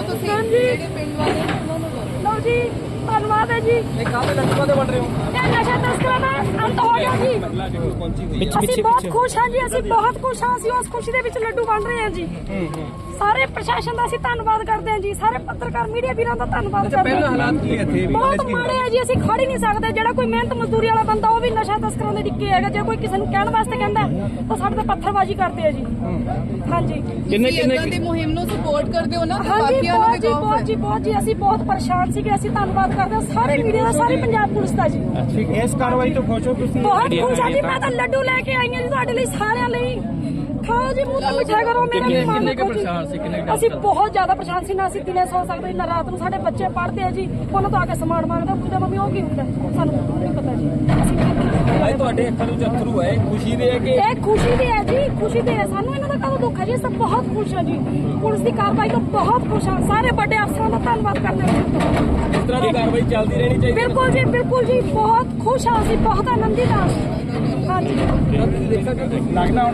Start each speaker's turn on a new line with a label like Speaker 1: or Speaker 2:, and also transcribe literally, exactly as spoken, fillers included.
Speaker 1: ਤੁਸੀਂ ਜਿਹੜੇ ਪਿੰਡ ਵਾਲੇ ਉਹਨਾਂ ਨੂੰ ਲਓ ਜੀ। ਧੰਨਵਾਦ ਹੈ ਜੀ।
Speaker 2: ਇਹ ਕਾਹਦੇ ਲੱਡੂਆਂ ਦੇ ਬਣ ਰਹੇ ਹੋ?
Speaker 1: ਇਹ ਨਸ਼ਾ ਤਸਕਰਾਂ ਦਾ ਅੰਤ ਹੋ ਗਿਆ ਜੀ। ਅਸੀਂ ਬਹੁਤ ਖੁਸ਼ ਹਾਂ ਜੀ, ਅਸੀਂ ਬਹੁਤ ਖੁਸ਼ ਹਾਂ। ਅਸੀਂ ਉਸ ਖੁਸ਼ੀ ਦੇ ਵਿੱਚ ਲੱਡੂ ਵੰਡ ਰਹੇ ਹਾਂ ਜੀ। ਸਾਰੇ ਪ੍ਰਸ਼ਾਸਨ ਦਾ ਅਸੀਂ ਧੰਨਵਾਦ ਕਰਦੇ ਹਾਂ ਜੀ। ਸਾਰੇ ਪੱਤਰਕਾਰ ਮੀਡੀਆ ਵੀਰਾਂ ਦਾ ਧੰਨਵਾਦ ਕਰਦੇ ਹਾਂ।
Speaker 2: ਪਹਿਲਾਂ ਹਾਲਾਤ ਕੀ ਇੱਥੇ
Speaker 1: ਬਹੁਤ ਮਾੜੇ ਹੈ ਜੀ। ਅਸੀਂ ਖੜ ਹੀ ਨਹੀਂ ਸਕਦੇ। ਜਿਹੜਾ ਕੋਈ ਮਿਹਨਤ ਮਜ਼ਦੂਰੀ ਵਾਲਾ ਬੰਦਾ ਉਹ ਵੀ ਨਸ਼ਾ ਤਸਕਰਾਂ ਦੇ ਡਿੱਕੇ ਹੈਗਾ। ਜੇ ਕੋਈ ਕਿਸੇ ਨੂੰ ਕਹਿਣ ਵਾਸਤੇ ਕਹਿੰਦਾ ਤਾਂ ਸਾਡੇ ਤੇ ਪੱਥਰਬਾਜ਼ੀ ਕਰਦੇ ਆ ਜੀ। ਹਾਂਜੀ,
Speaker 2: ਕਿੰਨੇ ਕਿੰਨੇ
Speaker 3: ਦੀ ਮੁਹਿੰਮ ਨੂੰ ਸਪੋਰਟ ਕਰਦੇ ਹੋ ਨਾ?
Speaker 1: ਹਾਂਜੀ ਬਹੁਤ ਜੀ, ਬਹੁਤ ਜੀ, ਬਹੁਤ ਜੀ। ਅਸੀਂ ਬਹੁਤ ਪਰੇਸ਼ਾਨ ਸੀਗੇ। ਅਸੀਂ ਧੰਨਵਾਦ ਕਰਦੇ ਹਾਂ ਸਾਰੇ ਮੀਡੀਆ ਦਾ, ਸਾਰੀ ਪੰਜਾਬ ਪੁਲਿਸ ਦਾ ਜੀ।
Speaker 2: ਇਸ ਕਾਰਵਾਈ ਤੋਂ ਖੁਸ਼ ਹੋ ਤੁਸੀਂ?
Speaker 1: ਬਹੁਤ ਖੁਸ਼ ਹਾਂ ਜੀ। ਮੈਂ ਤਾਂ ਲੱਡੂ ਲੈ ਕੇ ਆਈ ਹਾਂ ਜੀ ਤੁਹਾਡੇ ਲਈ, ਸਾਰਿਆਂ ਲਈ। ਖਾਓ ਜੀ, ਮੂੰਹ ਤੇ ਮਿੱਠਾ ਕਰੋ। ਮੇਰਾ
Speaker 2: ਕਿੰਨੇ ਕੁ ਪਰੇਸ਼ਾਨ ਸੀ? ਕਿੰਨੇ
Speaker 1: ਅਸੀਂ ਬਹੁਤ ਜ਼ਿਆਦਾ ਪਰੇਸ਼ਾਨ ਸੀ। ਨਾ ਅਸੀਂ ਦਿਨੇ ਸੌ ਸਕਦੇ, ਨਾ ਰਾਤ ਨੂੰ। ਸਾਡੇ ਬੱਚੇ ਪੜ੍ਹਦੇ ਆ ਜੀ, ਉਹਨਾਂ ਤੋਂ ਆ ਕੇ ਸਮਾਨ ਮੰਗਦੇ। ਪੁੱਛਦੇ ਮੰਮੀ ਉਹ ਕੀ ਹੁੰਦਾ, ਸਾਨੂੰ ਨਹੀਂ ਪਤਾ ਜੀ।
Speaker 2: ਅੱਜ ਤੁਹਾਡੇ ਅੱਖਾਂ ਵਿੱਚ ਅਥਰੂ ਹੈ, ਖੁਸ਼ੀ ਦੇ ਹੈ ਕਿ?
Speaker 1: ਇਹ ਖੁਸ਼ੀ ਦੇ ਹੈ ਜੀ, ਖੁਸ਼ੀ ਦੇ ਹੈ। ਸਾਨੂੰ ਇਹਨਾਂ ਦਾ ਕਦੋਂ ਦੁੱਖ ਹੈ ਜੀ। ਸਭ ਬਹੁਤ ਖੁਸ਼ ਹਾਂ ਜੀ। ਪੁਲਿਸ ਦੀ ਕਾਰਵਾਈ ਤੋਂ ਬਹੁਤ ਖੁਸ਼ ਹਾਂ। ਸਾਰੇ ਵੱਡੇ ਅਫਸਰਾਂ ਦਾ ਧੰਨਵਾਦ ਕਰਦੇ ਹਾਂ।
Speaker 2: ਇਸ ਤਰ੍ਹਾਂ ਦੀ ਕਾਰਵਾਈ ਚੱਲਦੀ ਰਹਿਣੀ ਚਾਹੀਦੀ।
Speaker 1: ਬਿਲਕੁਲ ਜੀ, ਬਿਲਕੁਲ ਜੀ। ਬਹੁਤ ਖੁਸ਼ ਹਾਂ ਅਸੀਂ, ਬਹੁਤ ਆਨੰਦਿਤ ਹਾਂ। ਹਾਂਜੀ,
Speaker 2: ਲੱਗਦਾ